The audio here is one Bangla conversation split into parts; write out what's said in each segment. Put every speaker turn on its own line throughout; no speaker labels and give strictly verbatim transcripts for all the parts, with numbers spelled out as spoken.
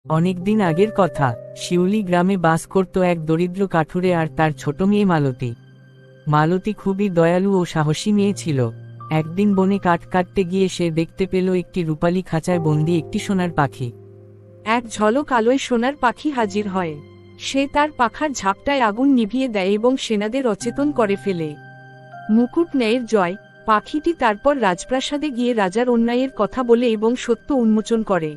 অনেকদিন আগের কথা, শিউলি গ্রামে বাস করত এক দরিদ্র কাঠুরে আর তার ছোট মেয়ে মালতী। মালতী খুবই দয়ালু ও সাহসী মেয়ে ছিল। একদিন বনে কাঠ কাটতে গিয়ে সে দেখতে পেল একটি রূপালী খাঁচায় বন্দি একটি সোনার পাখি।
এক ঝলক আলোয় সোনার পাখি হাজির হয়। সে তার পাখার ঝাপটায় আগুন নিভিয়ে দেয় এবং সেনাদের অচেতন করে ফেলে। মুকুট ন্যায়ের জয়। পাখিটি তারপর রাজপ্রাসাদে গিয়ে রাজার অন্যায়ের কথা বলে এবং সত্য উন্মোচন করে।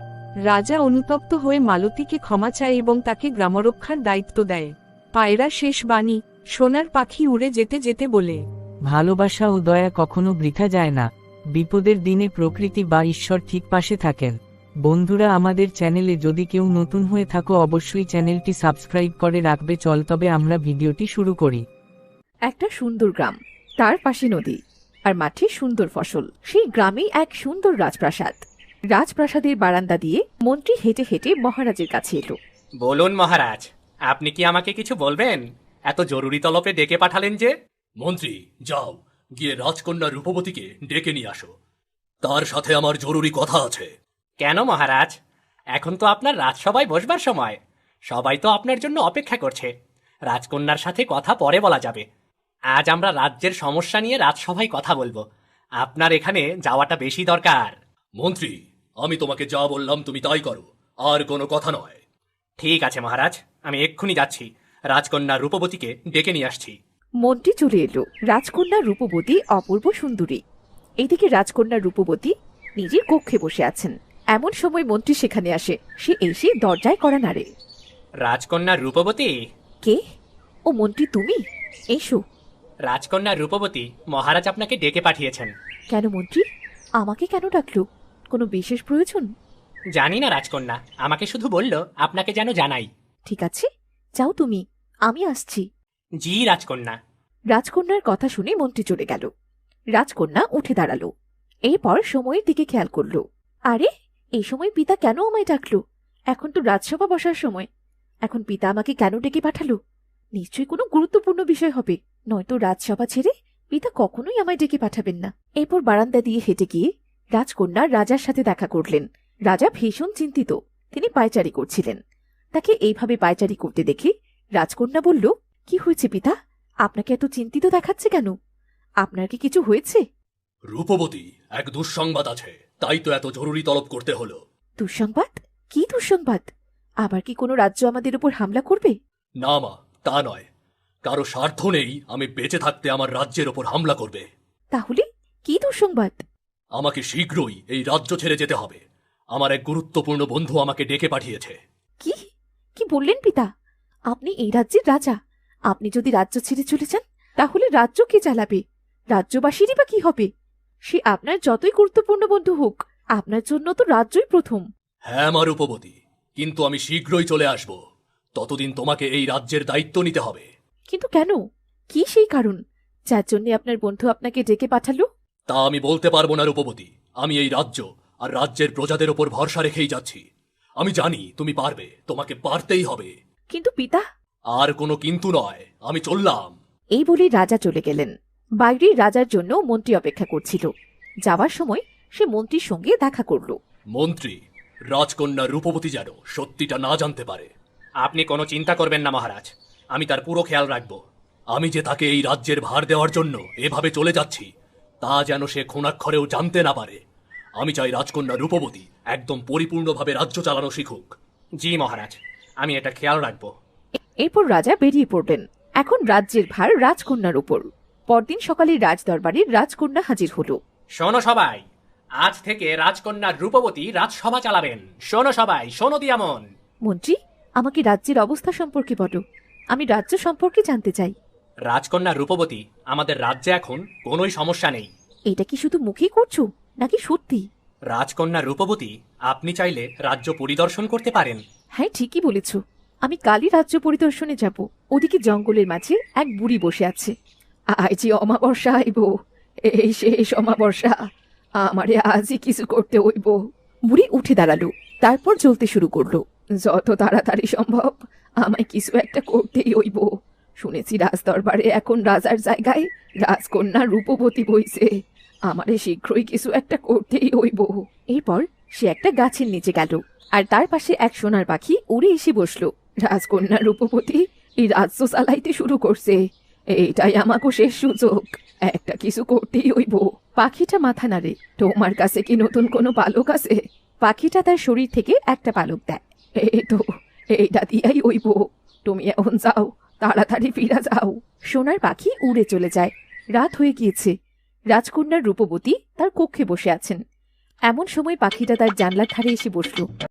রাজা অনুতপ্ত হয়ে মালতীকে ক্ষমা চায় এবং তাকে গ্রামরক্ষার দায়িত্ব দেয়। পায়রা শেষ বাণী। সোনার পাখি উড়ে যেতে যেতে বলে,
ভালোবাসা ও দয়া কখনো বৃথা যায় না। বিপদের দিনে প্রকৃতি বা ঈশ্বর ঠিক পাশে থাকেন। বন্ধুরা, আমাদের চ্যানেলে যদি কেউ নতুন হয়ে থাকো অবশ্যই চ্যানেলটি সাবস্ক্রাইব করে রাখবে। চল তবে আমরা ভিডিওটি শুরু করি।
একটা সুন্দর গ্রাম, তার পাশে নদী, আর মাঠে সুন্দর ফসল। সেই গ্রামেই এক সুন্দর রাজপ্রাসাদ। রাজপ্রাসাদের বারান্দা দিয়ে মন্ত্রী হেঁটে হেঁটে মহারাজের কাছে এলো।
বলুন মহারাজ, আপনি কি আমাকে কিছু বলবেন? এত জরুরি তলবে ডেকে পাঠালেন যে?
মন্ত্রী, যাও গিয়ে রাজকন্যা রূপবতীকে ডেকে নিয়ে আসো। তার সাথে আমার জরুরি কথা আছে।
কেন মহারাজ? এখন তো আপনার রাজসভায় বসবার সময়। সবাই তো আপনার জন্য অপেক্ষা করছে। রাজকন্যার সাথে কথা পরে বলা যাবে। আজ আমরা রাজ্যের সমস্যা নিয়ে রাজসভায় কথা বলবো। আপনার এখানে যাওয়াটা বেশি দরকার।
মন্ত্রী, আমি তোমাকে যা বললাম তুমি তাই করো, আর কোনো কথা নয়।
ঠিক আছে মহারাজ, আমি এক্ষুনি যাচ্ছি। রাজকন্যা রূপবতীকে ডেকে নিয়ে আসছি।
মন্ত্রী চলে এলো। রাজকন্যা রূপবতী অপূর্ব সুন্দরী। এদিকে রাজকন্যা রূপবতী নিজের কক্ষে বসে আছেন। এমন সময় মন্ত্রী সেখানে আসে। সে এসে দরজায় কড়া নাড়ে।
রাজকন্যা রূপবতী?
কে? ও মন্ত্রী, তুমি এসো।
রাজকন্যা রূপবতী, মহারাজ আপনাকে ডেকে পাঠিয়েছেন।
কেন মন্ত্রী? আমাকে কেন ডাকলো? কোনো বিশেষ প্রয়োজন?
জানি না রাজকন্যা, আমাকে শুধু বলল আপনাকে যেন জানাই।
ঠিক আছে, যাও তুমি, আমি আসছি।
জি রাজকন্যা।
রাজকন্যার কথা শুনে মন্ত্রী চলে গেল। রাজকন্যা উঠে দাঁড়ালো। এরপর সময়ের দিকে খেয়াল করলো। আরে, এই সময় পিতা কেন আমায় ডাকলো? এখন তো রাজসভা বসার সময়। এখন পিতা আমাকে কেন ডেকে পাঠালো? নিশ্চয়ই কোনো গুরুত্বপূর্ণ বিষয় হবে, নয়তো রাজসভা ছেড়ে পিতা কখনোই আমায় ডেকে পাঠাবেন না। এরপর বারান্দা দিয়ে হেঁটে গিয়ে রাজকন্যা রাজার সাথে দেখা করলেন। রাজা ভীষণ চিন্তিত। তিনি পায়চারি করছিলেন। তাকে এইভাবে পায়চারি করতে দেখে রাজকন্যা বলল, কি হয়েছে পিতা? আপনাকে এত চিন্তিত দেখাচ্ছে কেন? আপনার কি কিছু হয়েছে?
রূপবতী, এক দুঃসংবাদ আছে, তাই তো এত জরুরি তলব করতে হলো।
দুঃসংবাদ? কি দুঃসংবাদ? আবার কি কোনো রাজ্য আমাদের উপর হামলা করবে?
না মা, তা নয়। কারো স্বার্থ নেই আমি বেঁচে থাকতে আমার রাজ্যের ওপর হামলা করবে।
তাহলে কি দুঃসংবাদ?
আমাকে শীঘ্রই এই রাজ্য ছেড়ে যেতে হবে। আমার এক গুরুত্বপূর্ণ বন্ধু আমাকে ডেকে পাঠিয়েছে।
কি কি বললেন পিতা? আপনি এই রাজ্যের রাজা। আপনি যদি রাজ্য ছেড়ে চলে যান, তাহলে রাজ্য কে চালাবে? রাজ্যবাসীরই বা কি হবে? সে আপনার যতই গুরুত্বপূর্ণ বন্ধু হোক, আপনার জন্য তো রাজ্যই প্রথম।
হ্যাঁ মা রূপবতী, কিন্তু আমি শীঘ্রই চলে আসব। ততদিন তোমাকে এই রাজ্যের দায়িত্ব নিতে হবে।
কিন্তু কেন? কি সেই কারণ যার জন্য আপনার বন্ধু আপনাকে ডেকে পাঠালো?
তা আমি বলতে পারবো না রূপবতী। আমি এই রাজ্য আর রাজ্যের প্রজাদের ওপর ভরসা রেখেই যাচ্ছি। আমি জানি তুমি পারবে, তোমাকে পারতেই হবে।
কিন্তু পিতা।
আর কোনো কিন্তু নয়, আমি চললাম।
এই বলে রাজা চলে গেলেন। বাইরে রাজার জন্য মন্ত্রী অপেক্ষা করছিল। যাওয়ার সময় সে মন্ত্রীর সঙ্গে দেখা করল।
মন্ত্রী, রাজকন্যা রূপবতী যেন সত্যিটা না জানতে পারে।
আপনি কোনো চিন্তা করবেন না মহারাজ, আমি তার পুরো খেয়াল রাখব।
আমি যে তাকে এই রাজ্যের ভার দেওয়ার জন্য এভাবে চলে যাচ্ছি, তা যেন সে ক্ষণাক্ষরেও জানতে না পারে। আমি চাই রাজকন্যা রূপবতী একদম পরিপূর্ণভাবে রাজ্য চালানো শিখুক।
জি মহারাজ, আমি এটা খেয়াল রাখব।
এরপর রাজা বেরিয়ে পড়লেন। এখন রাজ্যের ভার রাজকন্যার উপর। পরদিন সকালে রাজদরবারে রাজকন্যা হাজির হলো।
শোনো সবাই, আজ থেকে রাজকন্যা রূপবতী রাজসভা চালাবেন। শোনো সবাই, শোনো দিয়ামন।
মন্ত্রী, আমাকে রাজ্যের অবস্থা সম্পর্কে বলো। আমি রাজ্য সম্পর্কে জানতে চাই।
রাজকন্যা রূপবতী, আমাদের রাজ্যে এখন কোনোই সমস্যা নেই।
এটা কি শুধু মুখেই করছো, নাকি সত্যি?
রাজকন্যা রূপবতী, আপনি চাইলে রাজ্য পরিদর্শন করতে পারেন।
হ্যাঁ, ঠিকই বলেছ। আমি কালই রাজ্য পরিদর্শনে যাব। ওদিকে জঙ্গলের মাঝে এক বুড়ি বসে আছে। আজ যে অমাবস্যা আইব, এই শেষ অমাবস্যা, আমারে আজই কিছু করতে হইব। বুড়ি উঠে দাঁড়ালো, তারপর চলতে শুরু করলো। যত তাড়াতাড়ি সম্ভব আমায় কিছু একটা করতেই হইব। শুনেছি রাজদরবারে এখন রাজার জায়গায় রাজকন্যা রূপবতী বইছে। আমারে শীঘ্রই কিছু একটা করতেই হইব। এরপর সে একটা গাছের নিচে গেল, আর তার পাশে এক সোনার পাখি উড়ে এসে বসলো। রাজকন্যা রূপবতী এই রাজ্য চালাইতে শুরু করছে, এইটাই আমাকে শেষ সুযোগ, একটা কিছু করতেই হইব। পাখিটা মাথা নাড়ে, তোমার কাছে কি নতুন কোনো পালক আছে? পাখিটা তার শরীর থেকে একটা পালক দেয়। এই তো, এইটা দিয়াই হইব, তুমি এখন যাও, তাড়াতাড়ি ফিরা যাও। সোনার পাখি উড়ে চলে যায়। রাত হয়ে গিয়েছে। রাজকন্যার রূপবতী তার কক্ষে বসে আছেন। এমন সময় পাখিটা তার জানলার ধারে এসে বসল।